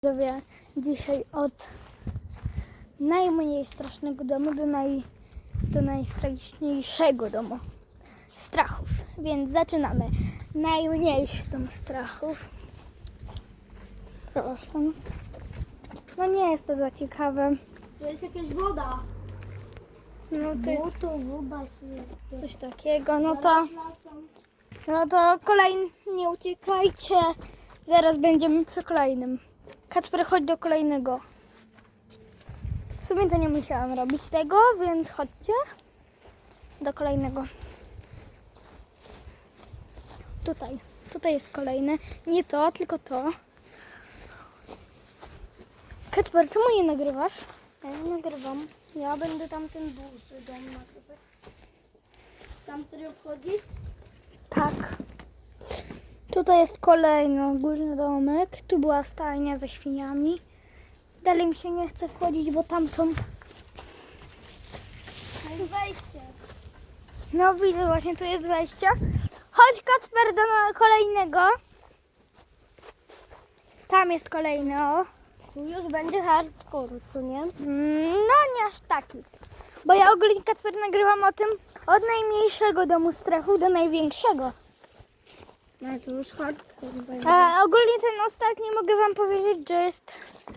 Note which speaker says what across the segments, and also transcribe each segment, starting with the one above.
Speaker 1: Widzowie, dzisiaj od najmniej strasznego domu do najstraszniejszego domu strachów. Więc zaczynamy. Najmniejszy dom strachów. Proszę. No nie jest to za ciekawe.
Speaker 2: To jest jakaś woda.
Speaker 1: No to jest
Speaker 2: to woda jest.
Speaker 1: coś takiego. No to kolejny, nie uciekajcie. Zaraz będziemy przy kolejnym. Kacper, chodź do kolejnego. W sumie to nie musiałam robić tego, więc chodźcie do kolejnego. Tutaj jest kolejny. Nie to, tylko to. Kacper, czemu nie nagrywasz?
Speaker 2: Ja nie nagrywam. Ja będę tamten duży dom nagrywać. Tam serio wchodzisz?
Speaker 1: Tak. Tutaj jest kolejny górny domek. Tu była stajnia ze świniami. Dalej mi się nie chce wchodzić, bo tam są...
Speaker 2: No i wejście.
Speaker 1: No widzę, właśnie tu jest wejście. Chodź, Kacper, do kolejnego. Tam jest kolejny, o.
Speaker 2: Tu już będzie hardcore, co nie?
Speaker 1: No nie aż taki. Bo ja ogólnie, Kacper, nagrywam o tym od najmniejszego domu strachu do największego.
Speaker 2: No to już hardcore będzie.
Speaker 1: A ogólnie ten ostatni mogę wam powiedzieć, że jest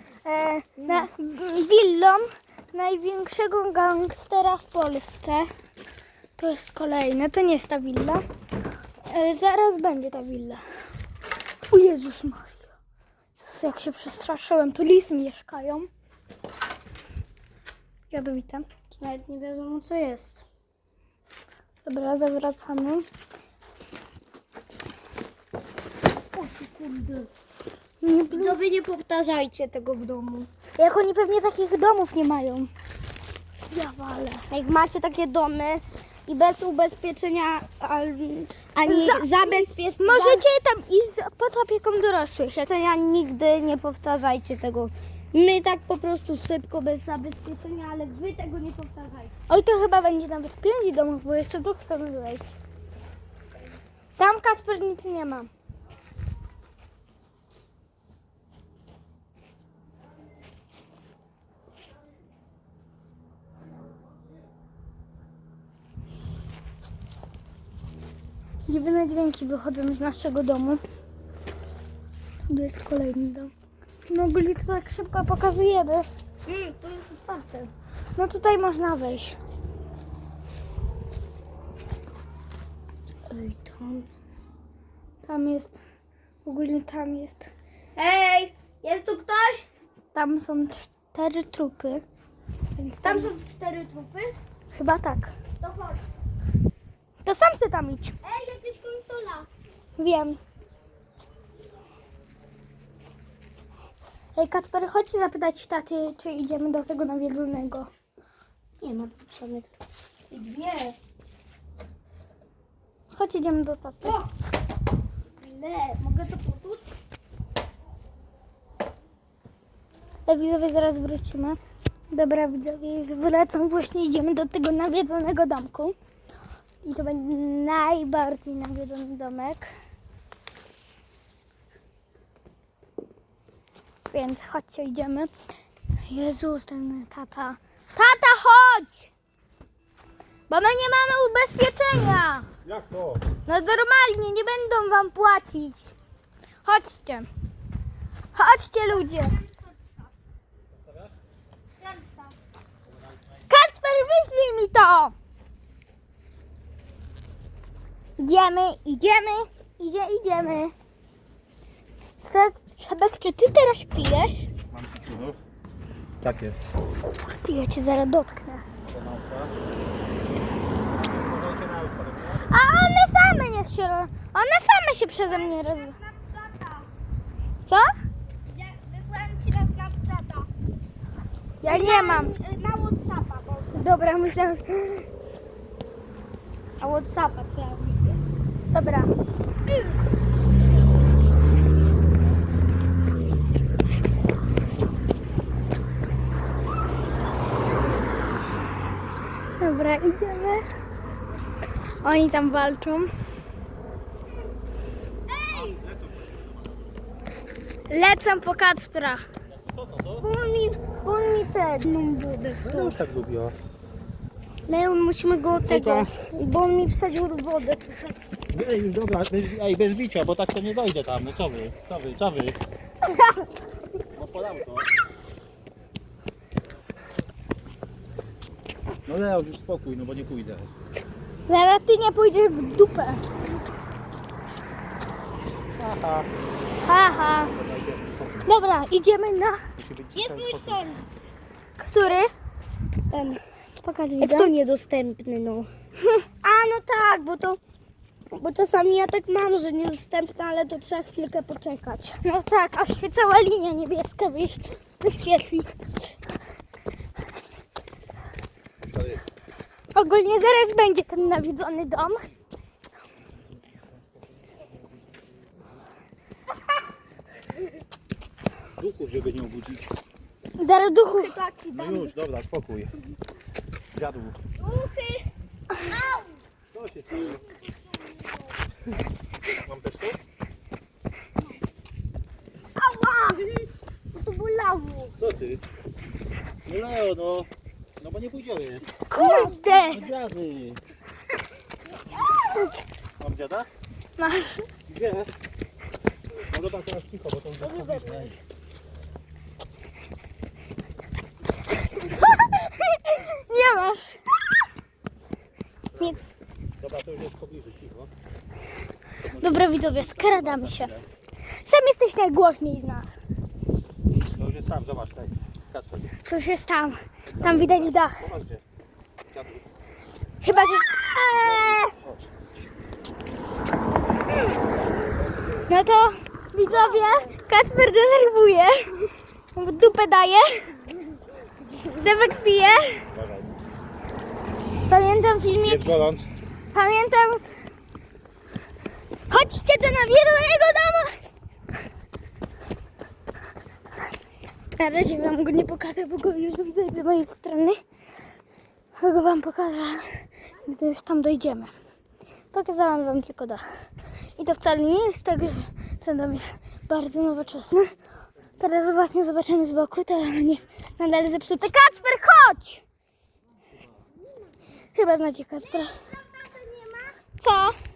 Speaker 1: willą największego gangstera w Polsce. To jest kolejne, to nie jest ta willa. Zaraz będzie ta willa. O Jezus Maria. Jezus, jak się przestraszyłem, tu lisy mieszkają. Jadowite.
Speaker 2: To nawet nie wiadomo co jest.
Speaker 1: Dobra, zawracamy.
Speaker 2: O ty kurde.
Speaker 1: Nie,
Speaker 2: Widzowie, nie powtarzajcie tego w domu.
Speaker 1: jak oni pewnie takich domów nie mają. Ja walę.
Speaker 2: Jak macie takie domy i bez ubezpieczenia ani zabezpieczenia,
Speaker 1: Możecie tam iść pod opieką dorosłych.
Speaker 2: nigdy nie powtarzajcie tego. My tak po prostu szybko, bez zabezpieczenia, ale wy tego nie powtarzajcie.
Speaker 1: Oj, to chyba będzie nawet 5 domów, bo jeszcze tu chcemy wejść. Tam, Kacper, nic nie ma. Dziwne dźwięki wychodzą z naszego domu. Tu jest kolejny dom. No ogólnie to tak szybko pokazujemy.
Speaker 2: To jest otwarte.
Speaker 1: No tutaj można wejść.
Speaker 2: Ej,
Speaker 1: Tam jest, ogólnie tam jest.
Speaker 2: Hej, jest tu ktoś?
Speaker 1: Tam są 4 trupy. Więc
Speaker 2: Tam są 4 trupy.
Speaker 1: chyba tak.
Speaker 2: To chodź.
Speaker 1: To sam se tam idź.
Speaker 2: Ej, jakaś konsola.
Speaker 1: Wiem. Ej, Kacper, chodź zapytać taty, czy idziemy do tego nawiedzonego.
Speaker 2: Nie ma tu żadnych. I 2.
Speaker 1: Chodź, idziemy do taty.
Speaker 2: O! Ile? Mogę to poczuć?
Speaker 1: Widzowie, zaraz wrócimy. Dobra, widzowie, już wracam. Właśnie idziemy do tego nawiedzonego domku. I to będzie najbardziej nawiedzony domek. Więc chodźcie, idziemy. Jezus, ten tata. Tata, chodź! Bo my nie mamy ubezpieczenia.
Speaker 3: Jak to?
Speaker 1: No normalnie, nie będą wam płacić. Chodźcie. Chodźcie, ludzie. Kacper, wyślij mi to. Idziemy. Szebek, czy ty teraz pijesz?
Speaker 3: Mam piczunów. Tak jest.
Speaker 1: Ja cię zaraz dotknę.
Speaker 3: Kanałka.
Speaker 1: A one same niech się one same się przeze mnie Co?
Speaker 2: Wysłałem ci na Snapchata.
Speaker 1: Ja nie mam.
Speaker 2: Na Whatsappa, bo...
Speaker 1: Dobra, myślałem.
Speaker 2: Na Whatsappa, co ja mówię.
Speaker 1: Dobra. Dobra, idziemy. Oni tam walczą. Lecę po Kacpra.
Speaker 3: Co to?
Speaker 2: Bo on mi pewną wodę w
Speaker 3: No
Speaker 2: to.
Speaker 3: już tak lubiła.
Speaker 2: Leon, musimy go tego, bo on mi wsadził wodę tutaj.
Speaker 3: Ej, już dobra, bez bicia, bo tak to nie dojdę tam. No co wy? No podam to. No Leo, już spokój, no bo nie pójdę.
Speaker 1: Zaraz ty nie pójdziesz w dupę.
Speaker 3: Aha.
Speaker 1: Haha. Dobra, idziemy na...
Speaker 3: Musi być
Speaker 2: Jest mój sąd.
Speaker 1: Który?
Speaker 2: Ten.
Speaker 1: Pokaż
Speaker 2: Jak
Speaker 1: widzę.
Speaker 2: to niedostępny, no. A no tak, bo czasami ja tak mam, że niedostępny, ale to trzeba chwilkę poczekać.
Speaker 1: No tak, aż się cała linia niebieska wyświetli. Ogólnie zaraz będzie ten nawiedzony dom.
Speaker 3: Duchów, żeby nie obudzić.
Speaker 1: Zaraz duchów.
Speaker 3: No już, dobra, spokój. Dziadu.
Speaker 2: Duchy!
Speaker 3: Co się stało? Mam też to?
Speaker 2: Ała! To bolało.
Speaker 3: Co ty? No Leo, no. No bo nie pójdziemy.
Speaker 1: Kurde!
Speaker 3: No dziady. Mam dziada?
Speaker 1: Masz.
Speaker 3: Gdzie? No dobra, teraz cicho, bo to już
Speaker 1: Nie masz. Nie.
Speaker 3: Dobra, to już jest w pobliżu, cicho.
Speaker 1: Dobra widzowie, skradamy się. Sam jesteś najgłośniej z nas.
Speaker 3: To już jest tam, zobacz, tak. Kacper,
Speaker 1: Coś jest tam. Tam widać dach.
Speaker 3: zobacz gdzie. Dziadu.
Speaker 1: Chyba, że...
Speaker 3: Chodź.
Speaker 1: No to widzowie, Kacper denerwuje. W dupę daje. Sebek pije.
Speaker 3: Uważaj.
Speaker 1: Pamiętam filmik.
Speaker 3: Jest gorąc.
Speaker 1: Pamiętam. Chodźcie do nawiedzonego domu. Na razie wam go nie pokażę, bo go już widać z mojej strony. Go wam pokażę, gdy już tam dojdziemy. Pokazałam wam tylko dach. I to wcale nie jest tak, że ten dom jest bardzo nowoczesny. Teraz właśnie zobaczymy z boku, to on jest nadal zepsuty. Kacper, chodź! Chyba znacie Kacpera. Co?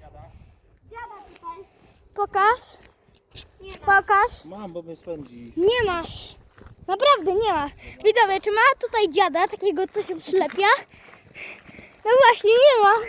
Speaker 1: Pokaż. Pokaż.
Speaker 3: Mam, bo mnie spędzi.
Speaker 1: Nie masz. Naprawdę nie masz. Widzowie, czy ma tutaj dziada, takiego co się przylepia? No właśnie, nie ma.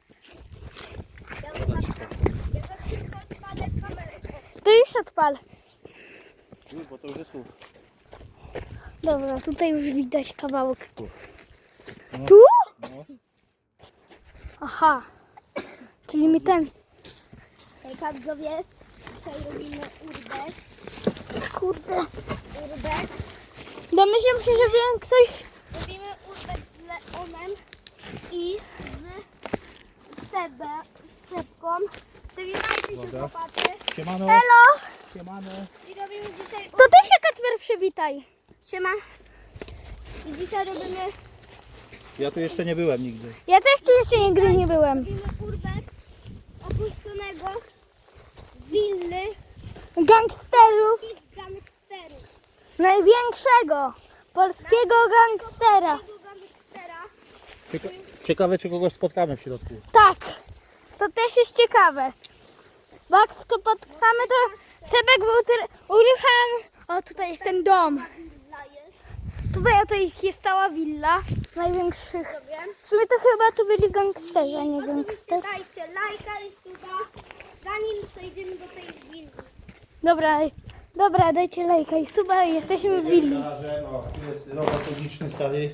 Speaker 1: To już odpal.
Speaker 3: Już, bo to już jest tu.
Speaker 1: Dobra, tutaj już widać kawałek.
Speaker 3: No.
Speaker 1: Tu?
Speaker 3: No.
Speaker 1: Aha. Czyli mi ten.
Speaker 2: Hejka widzowie, dzisiaj robimy urbex.
Speaker 1: Kurde.
Speaker 2: Urbex.
Speaker 1: Domyślam się, że większość.
Speaker 2: Robimy urbex z Leonem i z Sebką. Przywitajcie się
Speaker 3: Dobra.
Speaker 2: chłopacy.
Speaker 3: Siemano.
Speaker 1: Elo!
Speaker 3: Siemano.
Speaker 2: I robimy dzisiaj
Speaker 1: To ty się, Kacper, przywitaj.
Speaker 2: Siema. I dzisiaj robimy
Speaker 3: Ja tu jeszcze nie byłem nigdy.
Speaker 1: Ja też tu jeszcze nigdy nie byłem.
Speaker 2: urbex opuszczonego willy
Speaker 1: Gangsterów.
Speaker 2: i gangsterów.
Speaker 1: Największego polskiego gangstera.
Speaker 2: Tego gangstera.
Speaker 3: Ciekawe, czy kogoś spotkamy w środku.
Speaker 1: Tak, to też jest ciekawe. Bo jak spotkamy, to Sebek był urucham. O, tutaj jest ten dom.
Speaker 2: Willa jest.
Speaker 1: Tutaj jest cała willa największych. W sumie to chyba tu byli gangsterzy, a nie
Speaker 2: Oczywiście
Speaker 1: gangster.
Speaker 2: dajcie lajka i suba, zanim przejdziemy do tej willi.
Speaker 1: Dobra, dajcie lajka i suba i jesteśmy w willi.
Speaker 3: O, tu jest robot publiczny stary.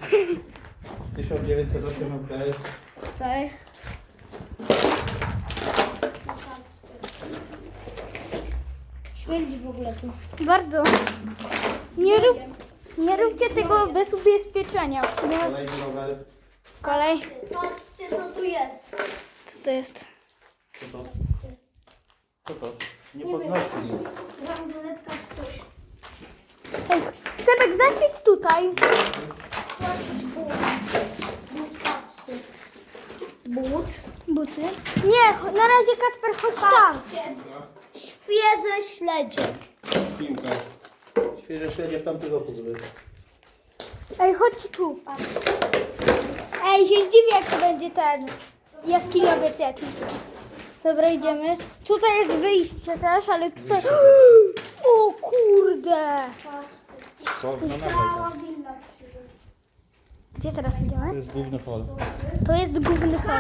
Speaker 3: 1908 MPS.
Speaker 2: Tutaj. Śmierdzi w ogóle tu.
Speaker 1: Bardzo. Nie róbcie tego bez ubezpieczenia. W sumie nas-
Speaker 3: Kolejny rower.
Speaker 1: Kolej.
Speaker 2: Patrzcie co tu jest.
Speaker 1: Co to jest?
Speaker 3: Co to? Co to? Nie podnosi mnie.
Speaker 2: Bransoletka czy coś.
Speaker 1: Ej, Sebek, zaświeć tutaj.
Speaker 2: But.
Speaker 1: Buty. Nie, na razie Kacper, chodź tam.
Speaker 2: Świeże śledzie.
Speaker 3: piłka. Świeże śledzie w tamtym roku były.
Speaker 1: Ej, chodź tu. Ej, się zdziwię, jak to będzie ten jaskiniowiec jakiś. Dobra, idziemy. Tutaj jest wyjście też, ale tutaj... O kurde!
Speaker 3: Co? No
Speaker 2: Cała
Speaker 3: nawet.
Speaker 2: willa.
Speaker 1: Gdzie teraz
Speaker 3: To
Speaker 1: idziemy?
Speaker 3: jest główny hol.
Speaker 1: To jest główny hol.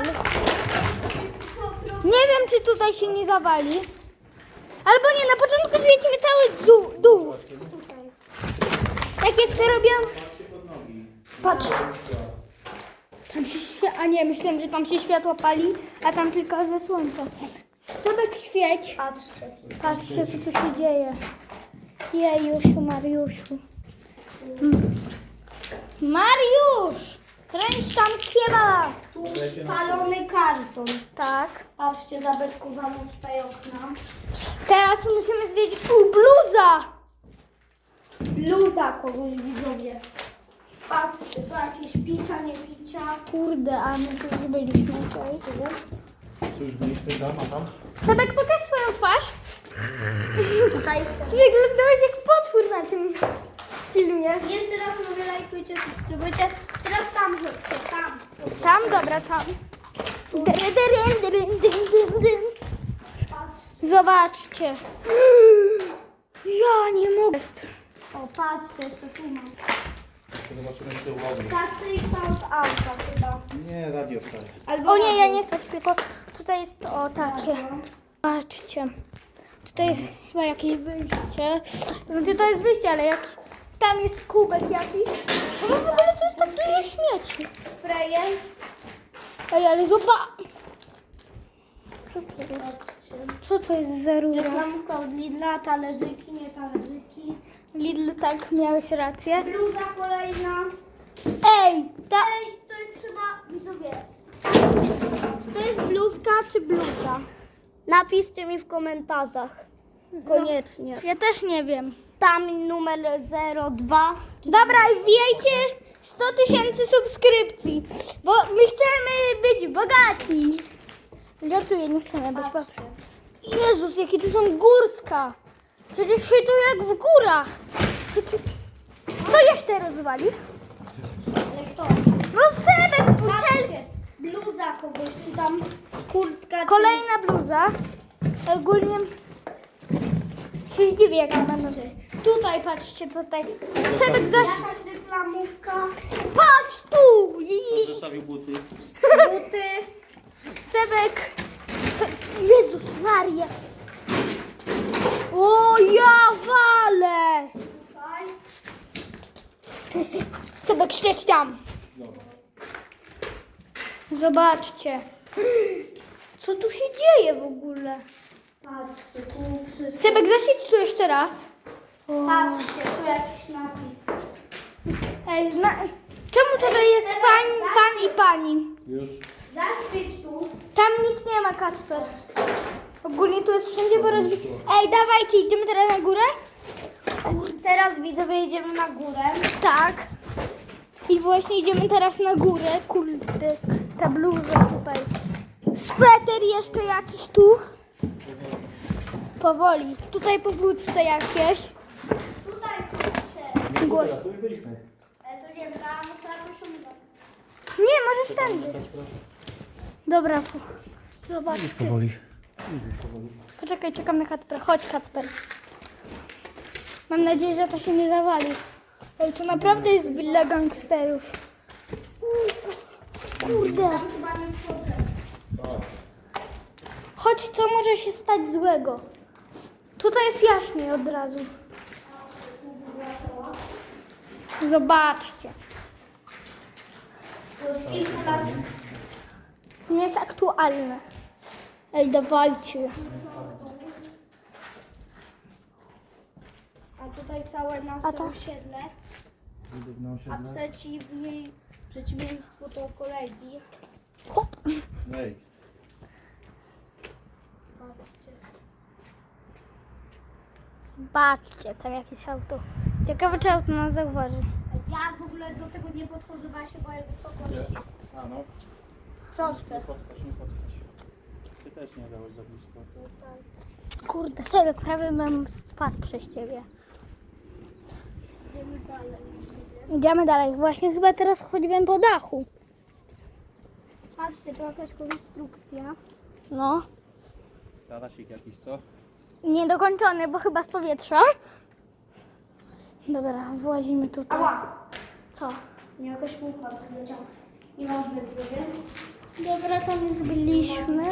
Speaker 1: Nie wiem, czy tutaj się nie zawali. Albo nie, na początku zwiedzimy cały dół. Tak jak to robiłam. Patrz. Tam się a nie, myślałem, że tam się światło pali, a tam tylko ze słońca. Sobek świeć.
Speaker 2: Patrzcie.
Speaker 1: Patrzcie, co tu się dzieje. Jejusiu, Mariusiu. Mariusz! Kręć tam kiewa!
Speaker 2: Tu spalony karton.
Speaker 1: Tak.
Speaker 2: Patrzcie, zabetkowano tutaj okna.
Speaker 1: Teraz musimy zwiedzić. Bluza!
Speaker 2: Bluza kogoś widzowie. Patrzcie, to jakieś picia, nie picia.
Speaker 1: Kurde, a my tu już byliśmy. Okay.
Speaker 3: Co już byliśmy tam, a tam?
Speaker 1: Sebek, pokaż swoją twarz.
Speaker 2: Tutaj
Speaker 1: Ty
Speaker 2: są.
Speaker 1: wyglądałeś jak potwór na tym filmie.
Speaker 2: Jeszcze raz mówię, lajkujcie, subskrybujcie. Teraz tam chodźcie, tam.
Speaker 1: Tam, dobra, tam. Dyn.
Speaker 2: Patrzcie.
Speaker 1: Zobaczcie. Ja nie mogę.
Speaker 2: O, patrzcie, jeszcze tu mam.
Speaker 3: Zobaczymy z tyłu ognia.
Speaker 2: Stacyjka od auta chyba.
Speaker 3: Nie, radio stare.
Speaker 2: Albo
Speaker 1: O nie, ja nie chcę, tylko tutaj jest o takie. Patrzcie. Tutaj jest chyba jakieś wyjście. Znaczy to jest wyjście, ale jak tam jest kubek jakiś. Czemu w ogóle to jest tak dużo śmieci?
Speaker 2: Sprejem.
Speaker 1: Ej, ale zobacz. Co to jest?
Speaker 2: Patrzcie.
Speaker 1: Co to jest za rura?
Speaker 2: Reklamówka od Lidla, talerzyki, nie talerzyki.
Speaker 1: Lidl, tak, miałeś rację.
Speaker 2: Bluza kolejna.
Speaker 1: Ej,
Speaker 2: Ej, to jest chyba, widzowie. Czy to jest bluzka czy bluza? Napiszcie mi w komentarzach. Koniecznie.
Speaker 1: ja też nie wiem.
Speaker 2: Tam numer 02.
Speaker 1: Dobra, i wbijajcie 100 000 subskrypcji, bo my chcemy być bogaci. Żartuję, nie chcemy być bogaci. Jezus, jakie tu są górska. Przecież się tu jak w górach. Co jeszcze rozwalisz?
Speaker 2: Ale kto?
Speaker 1: No Sebek, butel.
Speaker 2: Patrzcie, bluza kogoś, czy tam kurtka, czy...
Speaker 1: Kolejna bluza. Ogólnie się zdziwię, jak ona będą. Tutaj, patrzcie, tutaj. Sebek zaś...
Speaker 2: Jakaś reklamówka,
Speaker 1: Patrz tu!
Speaker 3: Zostawił buty.
Speaker 2: buty.
Speaker 1: Sebek. Jezus Maria. O, ja walę.
Speaker 2: Tutaj.
Speaker 1: Sebek, świeć tam. Zobaczcie. Co tu się dzieje w ogóle?
Speaker 2: Patrzcie, tu wszystko.
Speaker 1: Sebek, zaświeć tu jeszcze raz.
Speaker 2: Patrzcie, tu jakiś napis.
Speaker 1: Ej, czemu tutaj jest pan i pani?
Speaker 3: Już.
Speaker 2: Zaświeć tu.
Speaker 1: Tam nic nie ma, Kacper. Ogólnie tu jest wszędzie porozbite. Ej, dawajcie, idziemy teraz na górę?
Speaker 2: Teraz widzowie idziemy na górę.
Speaker 1: Tak. I właśnie idziemy teraz na górę. Kurde, ta bluza tutaj. Sweter jeszcze jakiś tu. Powoli. Tutaj powódce jakieś.
Speaker 2: Tutaj patrzcie.
Speaker 1: Głośno.
Speaker 3: Tu już byliśmy.
Speaker 2: Ale to nie wiem, tam muszę jakoś umyć.
Speaker 1: Nie, możesz tędy. Dobra, zobaczcie.
Speaker 3: Powoli.
Speaker 1: Poczekaj, czekam na Kacpera. Chodź, Kacper. Mam nadzieję, że to się nie zawali. Ej, to naprawdę jest willa gangsterów. Kurde.
Speaker 2: Chyba nie wchodzę.
Speaker 1: Chodź, co może się stać złego? Tutaj jest jaśniej od razu. Zobaczcie.
Speaker 2: To od kilku lat.
Speaker 1: Nie jest aktualne. Ej, dawajcie.
Speaker 2: A tutaj całe nasze
Speaker 1: A tak.
Speaker 2: osiedle. A przeciwieństwo to kolegi.
Speaker 1: Hop.
Speaker 3: Ej.
Speaker 2: Patrzcie.
Speaker 1: Zobaczcie, tam jakieś auto. Ciekawe, czy auto nas zauważy.
Speaker 2: Ja w ogóle do tego nie podchodzę, bo ja się boję wysokości.
Speaker 3: A no.
Speaker 2: Troszkę.
Speaker 3: Nie podskocz, nie podskocz. Ty też nie dałeś za blisko.
Speaker 1: Kurde, Sebek, prawie bym spadł przez ciebie.
Speaker 2: Idziemy dalej.
Speaker 1: Idziemy dalej. Właśnie chyba teraz chodziłem po dachu.
Speaker 2: Patrzcie, to jakaś konstrukcja.
Speaker 1: No.
Speaker 3: Tarasik jakiś, co?
Speaker 1: Niedokończony, bo chyba z powietrza. Dobra, włazimy tutaj.
Speaker 2: Ała!
Speaker 1: Co?
Speaker 2: Nie, jakaś mucha leciała. Nie mam zbyt.
Speaker 1: Dobra, tam już byliśmy.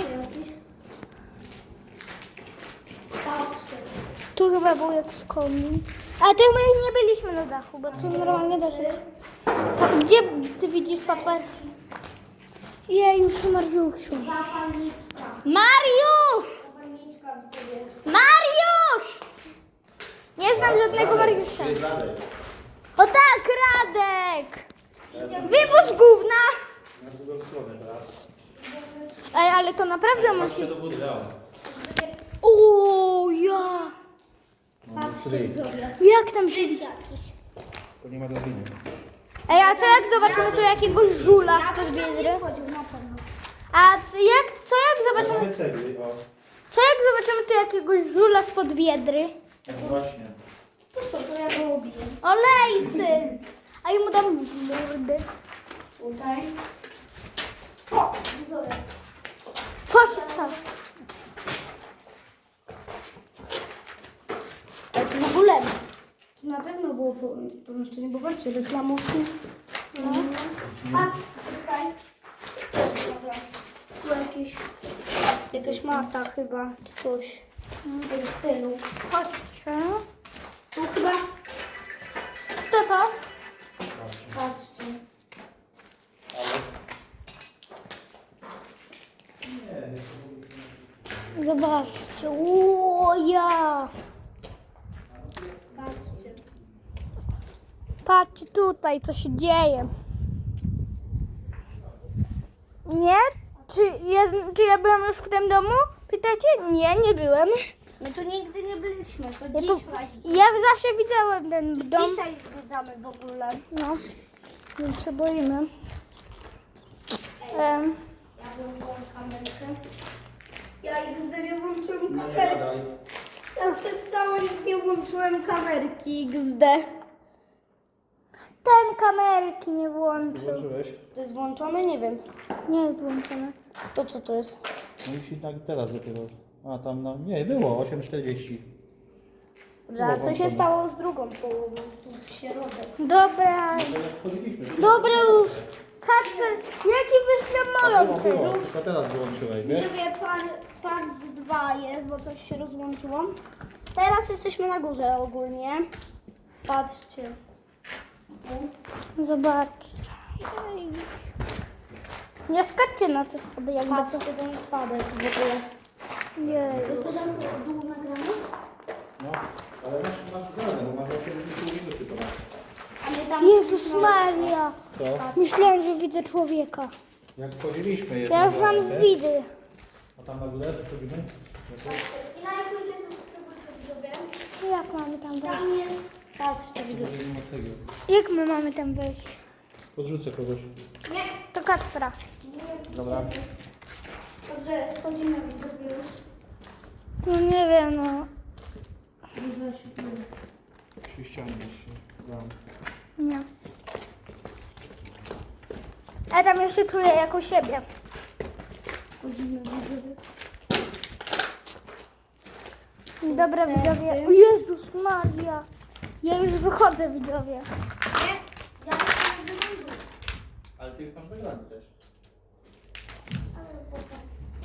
Speaker 2: Patrzcie.
Speaker 1: Tu chyba był jakiś komin. A tu my nie byliśmy na dachu, bo tu normalnie da się. Gdzie ty widzisz paper? Jejusiu, Mariusiu.
Speaker 2: Zapalniczka.
Speaker 1: Mariusz!
Speaker 2: Zapalniczka w sobie.
Speaker 1: Mariusz! Nie znam żadnego Mariusza. O tak, Radek! Wywóz gówna!
Speaker 3: Na drugą stronę teraz.
Speaker 1: Ej, ale to naprawdę musi...
Speaker 3: Patrzcie do góry, dał.
Speaker 1: O, ja!
Speaker 2: Patrzcie, widzowie.
Speaker 1: Jak tam się...
Speaker 2: Jakiś.
Speaker 3: To nie ma drabiny.
Speaker 1: Ej, a co jak zobaczymy tu jakiegoś żula spod biedry?
Speaker 2: Chodził na pewno.
Speaker 1: A co jak zobaczymy...
Speaker 3: Mamy cegły, o.
Speaker 1: Co jak zobaczymy tu jakiegoś żula spod biedry?
Speaker 3: No właśnie.
Speaker 2: To co, to ja go obiję.
Speaker 1: O, lejsy! A i mu dam w mordę.
Speaker 2: Tutaj. O, widzowie.
Speaker 1: Co się stało?
Speaker 2: Ale to w ogóle. To na pewno było pomieszczenie, bo patrzcie, reklamówki. No. Patrz, tutaj. Dobra. Tu jakaś mata chyba, czy coś. W tym stylu.
Speaker 1: Chodźcie.
Speaker 2: Tu chyba,
Speaker 1: Co to?
Speaker 2: patrzcie.
Speaker 1: Zobaczcie. O, ja!
Speaker 2: Patrzcie.
Speaker 1: Patrzcie tutaj, co się dzieje. Nie? Czy ja byłam już w tym domu? Pytacie? Nie, nie byłem.
Speaker 2: My tu nigdy nie byliśmy, to
Speaker 1: Ja, tu,
Speaker 2: dzisiaj.
Speaker 1: ja zawsze widziałem ten dom.
Speaker 2: Dzisiaj zwiedzamy w ogóle.
Speaker 1: No, więc się boimy.
Speaker 2: Ja włączyłam kamerkę. Ja XD nie włączyłam
Speaker 3: No nie
Speaker 2: kamerki.
Speaker 3: gadaj.
Speaker 2: Ja przez cały nie włączyłem kamerki XD.
Speaker 1: Ten kamerki nie włączył.
Speaker 3: Włączyłeś?
Speaker 2: To jest włączone? Nie wiem.
Speaker 1: Nie jest włączony.
Speaker 2: To co to jest?
Speaker 3: No i się tak teraz dopiero. A tam no. Nie, było 8,40.
Speaker 2: Dobrze, a co się stało z drugą połową? Tu w środek.
Speaker 1: Dobra,
Speaker 3: No jak wchodziliśmy.
Speaker 1: dobra już. Kacper, ja ci wyślę moją część.
Speaker 3: Tylko teraz wyłączyłeś, wiesz?
Speaker 2: Widzowie, part 2 jest, bo coś się rozłączyło. Teraz jesteśmy na górze ogólnie. Patrzcie.
Speaker 1: Zobaczcie. Jej. Nie skaczcie na te schody jakby co.
Speaker 2: Patrzcie, ten spadek w ogóle.
Speaker 1: Jej.
Speaker 2: To teraz dół nagramy?
Speaker 3: No. Ale masz zgodę, bo masz 80 minut tylko.
Speaker 2: A my tam...
Speaker 1: Jezus Maria.
Speaker 3: Co?
Speaker 1: Myślałem, że widzę człowieka.
Speaker 3: Jak wchodziliśmy jest.
Speaker 1: Ja już mam zwidy.
Speaker 3: A tam na górę wchodzimy?
Speaker 2: I na jakim cię subskrybujcie widzowie?
Speaker 1: Jak mamy tam wejść?
Speaker 2: Tam jest... Patrzcie widzowie.
Speaker 3: Nie ma cegieł.
Speaker 1: Jak my mamy tam wejść?
Speaker 3: Podrzucę kogoś.
Speaker 2: Nie.
Speaker 1: To Kacpra.
Speaker 3: Dobra.
Speaker 2: Dobrze, schodzimy widzowie już.
Speaker 1: No nie wiem, no.
Speaker 3: Trzy ściany jeszcze. Dam.
Speaker 1: Nie. Ja tam jeszcze czuję jako siebie.
Speaker 2: Schodzimy widzowie.
Speaker 1: Dobra, widzowie. O Jezus Maria. Ja już wychodzę, widzowie.
Speaker 2: Nie? Ja jestem w dół.
Speaker 3: Ale ty już masz nagranie też.
Speaker 2: Ale potem.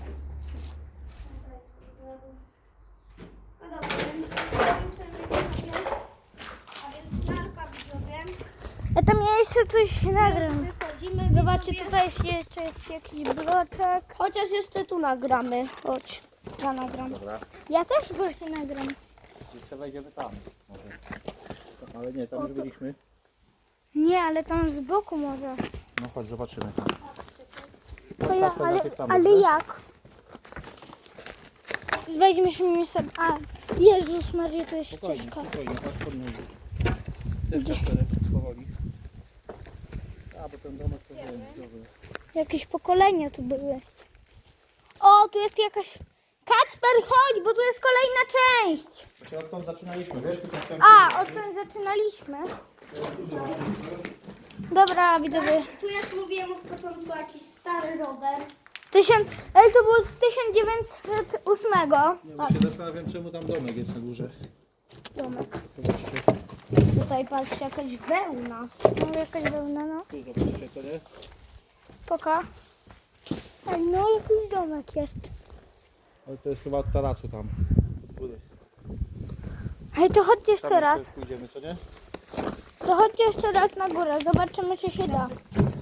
Speaker 2: No dobra, więc kończymy widzowie. A więc narka widzowie.
Speaker 1: Ja tam jeszcze coś nagram.
Speaker 2: Wychodzimy
Speaker 1: Zobaczcie,
Speaker 2: widzowie.
Speaker 1: tutaj jeszcze jest jakiś bloczek.
Speaker 2: Chociaż jeszcze tu nagramy. Chodź. Ja nagram.
Speaker 3: Dobra.
Speaker 1: Ja też właśnie nagram.
Speaker 3: Jeszcze wejdziemy tam. Może. Ale nie, tam już byliśmy.
Speaker 1: Nie, ale tam z boku może.
Speaker 3: No chodź, zobaczymy.
Speaker 1: To ja, ale jak? Weźmiemy sobie. A, Jezus Maria, to jest
Speaker 3: Spokojnie,
Speaker 1: ścieżka.
Speaker 3: spokojnie, patrz pod nogi. Też Kasperek, powoli. A, bo ten domek to był dobry.
Speaker 1: Jakieś pokolenia tu były. O, O, tu jest jakaś... Kacper, chodź, bo tu jest kolejna część.
Speaker 3: Właśnie odtąd zaczynaliśmy, wiesz? Tutaj chciałem
Speaker 1: A, odtąd zaczynaliśmy. Dobra, widzowie.
Speaker 2: Tu jak mówiłem od początku jakiś stary rower.
Speaker 1: Ej, to było z 1908.
Speaker 3: Nie, bo się zastanawiam, czemu tam domek jest na górze.
Speaker 1: Domek.
Speaker 3: Zobaczcie,
Speaker 2: Tutaj patrzcie, jakaś wełna.
Speaker 1: No, jakaś wełna, no.
Speaker 3: tu zobaczcie, co nie?
Speaker 1: Poka. Ej, no, jakiś domek jest.
Speaker 3: Ale to jest chyba od tarasu tam. Od góry.
Speaker 1: Ej, to chodźcie
Speaker 3: Tam
Speaker 1: jeszcze raz.
Speaker 3: pójdziemy, co nie?
Speaker 1: To chodźcie jeszcze raz na górę. Zobaczymy, czy się da.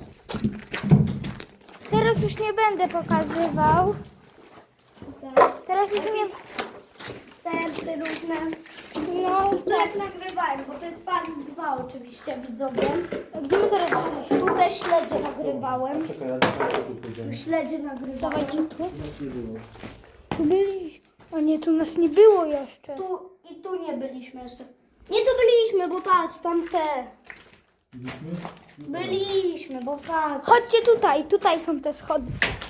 Speaker 1: Teraz już nie będę pokazywał.
Speaker 2: Tutaj
Speaker 1: Teraz już nie...
Speaker 2: sterty różne.
Speaker 1: No,
Speaker 2: To jak nagrywałem, bo to jest part 2 oczywiście, widzowie.
Speaker 1: gdzie my teraz byliśmy?
Speaker 2: Tutaj śledzie nagrywałem.
Speaker 3: Czekaj, ja tu
Speaker 2: Tu
Speaker 3: pójdziemy.
Speaker 2: śledzie nagrywałem.
Speaker 1: Dawajcie tu.
Speaker 3: Nie było.
Speaker 1: Tu byliśmy. O nie, tu nas nie było jeszcze.
Speaker 2: Tu i tu nie byliśmy jeszcze. Nie tu byliśmy, bo patrz, tam te. Byliśmy, bo patrz.
Speaker 1: Chodźcie tutaj, tutaj są te schody.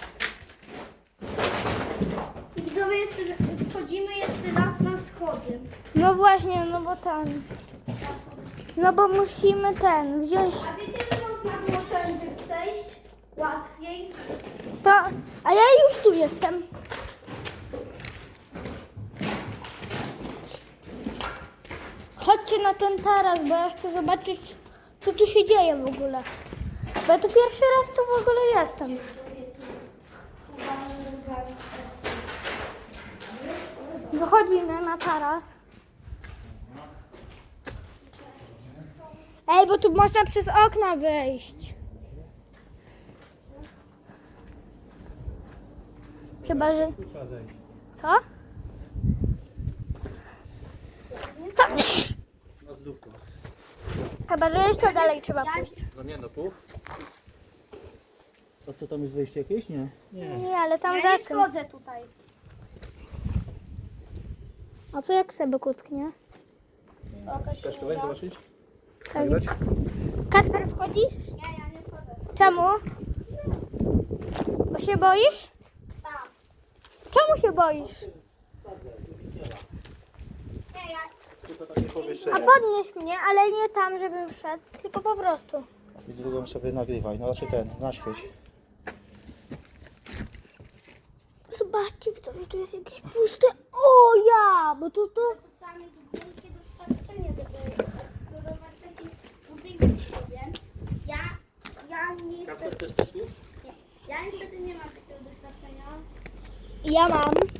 Speaker 2: Widzowie, jeszcze wchodzimy jeszcze raz na schody.
Speaker 1: No właśnie, no bo ten. No bo musimy wziąć.
Speaker 2: A wiecie, że można było tędy przejść łatwiej?
Speaker 1: To, a ja już tu jestem. Chodźcie na ten taras, bo ja chcę zobaczyć, co tu się dzieje w ogóle. Bo ja tu pierwszy raz tu w ogóle jestem. Wychodzimy na taras. Ej, bo tu można przez okna wyjść. Chyba, że...
Speaker 3: Tu trzeba zejść.
Speaker 1: Co?
Speaker 3: Na zdówko.
Speaker 1: Chyba, że jeszcze dalej trzeba pójść.
Speaker 3: No nie, no tu. A co tam jest wejście jakieś? Nie. Nie.
Speaker 1: Nie, ale tam
Speaker 2: Ja
Speaker 1: za
Speaker 2: nie
Speaker 1: tym.
Speaker 2: schodzę tutaj.
Speaker 1: A co jak sobie kutknie?
Speaker 3: Chcesz to wejść zobaczyć?
Speaker 1: Tak.
Speaker 3: Nagrać?
Speaker 1: Kacper, wchodzisz?
Speaker 2: Nie, ja nie wchodzę.
Speaker 1: Czemu? Bo się boisz?
Speaker 2: Tak.
Speaker 1: Czemu się boisz?
Speaker 2: Nie, ja...
Speaker 3: Tylko takie
Speaker 1: A
Speaker 3: pomieszczenie.
Speaker 1: podnieś mnie, ale nie tam, żebym wszedł, tylko po prostu.
Speaker 3: I drugą sobie nagrywaj, no znaczy ten, naświeć.
Speaker 1: Zobaczcie, widzowie, tu jest jakieś puste. O ja! Bo tu...
Speaker 2: Trzeba mieć wielkie doświadczenie, żeby eksplorować taki budynek sobie. Ja niestety...
Speaker 3: Też też tu?
Speaker 2: Ja niestety nie mam takiego doświadczenia.
Speaker 1: Ja mam.